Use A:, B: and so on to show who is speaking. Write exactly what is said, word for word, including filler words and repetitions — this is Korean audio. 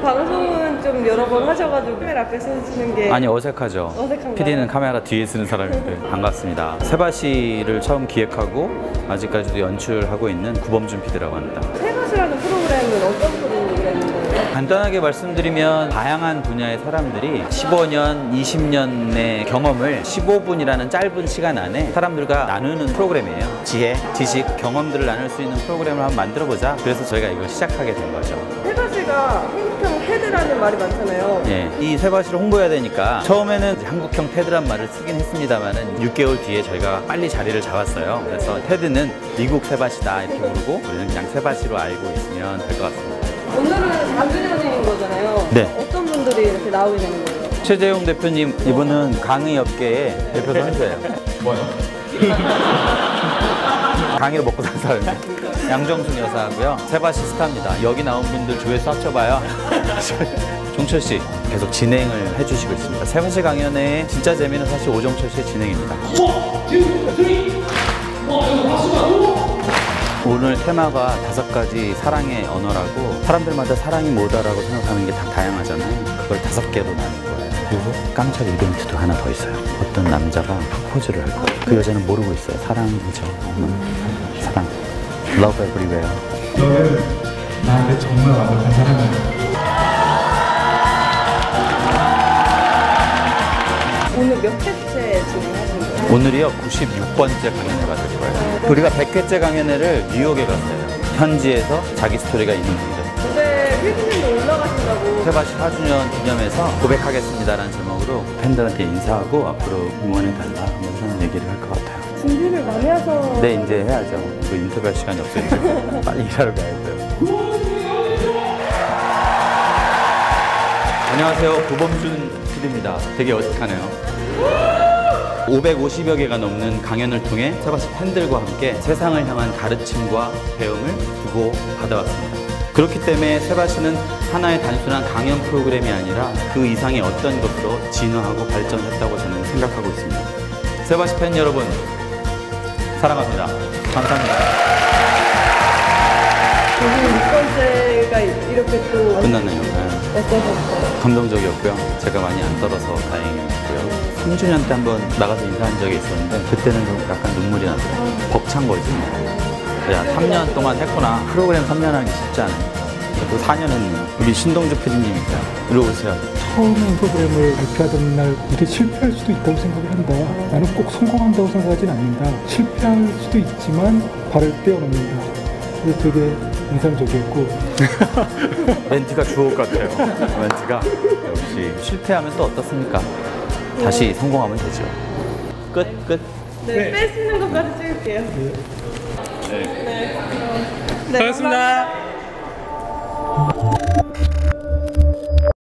A: 방송은 좀 여러 번 하셔가지고 카메라 앞에 서시는 게
B: 아니 어색하죠.
A: 어색한가요?
B: 피디는 카메라 뒤에 쓰는 사람인데. 반갑습니다. 세바시를 처음 기획하고 아직까지도 연출하고 있는 구범준 피디라고 합니다.
A: 세바시라는 프로그램은 어떤 프로그램인가요?
B: 간단하게 말씀드리면 다양한 분야의 사람들이 십오 년, 이십 년의 경험을 십오 분이라는 짧은 시간 안에 사람들과 나누는 프로그램이에요. 지혜, 지식, 경험들을 나눌 수 있는 프로그램을 한번 만들어보자. 그래서 저희가 이걸 시작하게 된 거죠.
A: 세바시가 한국형 테드라는 말이 많잖아요.
B: 예, 이 세바시를 홍보해야 되니까 처음에는 한국형 테드란 말을 쓰긴 했습니다만은 육 개월 뒤에 저희가 빨리 자리를 잡았어요. 그래서 테드는 미국 세바시다 이렇게 부르고 우리는 그냥 세바시로 알고 있으면 될 것 같습니다.
A: 오늘은 사 주년인 거잖아요.
B: 네.
A: 어떤 분들이 이렇게 나오게 되는 거예요?
B: 최재용 대표님, 이분은 강의 업계의 대표 선수예요. 뭐요? 강의로 먹고 사는 사람이에요. 양정순 여사하고요. 세바시 스타입니다. 여기 나온 분들 조회수 합쳐봐요. 종철 씨 계속 진행을 해주시고 있습니다. 세바시 강연의 진짜 재미는 사실 오종철 씨의 진행입니다. 오늘 테마가 다섯 가지 사랑의 언어라고 사람들마다 사랑이 뭐다라고 생각하는 게 다 다양하잖아요. 그걸 다섯 개로 나눈 거예요. 그리고 깜짝 이벤트도 하나 더 있어요. 어떤 남자가 프포즈를 할 거예요. 그 여자는 모르고 있어요. 사랑이죠. 음, 사랑. Love everywhere.
C: 너는 나한테 정말 완벽한 사람이야.
A: 오늘 몇 회째 진행하신 거예요?
B: 오늘이요 구십육 번째 강연회가 될 거예요. 우리가 백 회째 강연회를 뉴욕에 갔어요. 현지에서 자기 스토리가 있는 분들.
A: 근데 필기님도 올라가신다고.
B: 세바시 사 주년 기념해서 고백하겠습니다라는 제목으로 팬들한테 인사하고 앞으로 응원해달라 하면서 얘기를 할 것 같아요.
A: 준비를 많이 해서.
B: 네, 이제 해야죠. 그 인터뷰할 시간이 없으니까 빨리 일하러 가야 돼요. 안녕하세요, 구범준 피디입니다. 되게 어색하네요. 오백오십여 개가 넘는 강연을 통해 세바시 팬들과 함께 세상을 향한 가르침과 배움을 주고 받아왔습니다. 그렇기 때문에 세바시는 하나의 단순한 강연 프로그램이 아니라 그 이상의 어떤 것으로 진화하고 발전했다고 저는 생각하고 있습니다. 세바시 팬 여러분, 사랑합니다. 감사합니다.
A: 오늘 육 번째가 이렇게 또
B: 끝났네요. 네.
A: 어떠셨어요?
B: 감동적이었고요. 제가 많이 안 떨어서 다행이었고요. 삼 주년 때 한번 나가서 인사한 적이 있었는데 그때는 좀 약간 눈물이 나더라고요. 벅찬 거지. 야, 삼 년 동안 했구나. 프로그램 삼 년 하기 쉽지 않아요. 또 사 년 했네요. 우리 신동주 피디님이니까 이리 오세요.
C: 처음에 프로그램을 발표하던 날 이게 실패할 수도 있다고 생각을 한다. 나는 꼭 성공한다고 생각하진 않는다. 실패할 수도 있지만 발을 떼어놓는다. 그게 되게 인상적이었고
B: 멘트가 주옥 같아요. 멘트가 역시 실패하면 또 어떻습니까? 다시 성공하면 되죠. 끝, 끝.
A: 네,
C: 네.
A: 빼시는 것까지 찍을게요. 네. 네. 네.
C: 고맙습니다.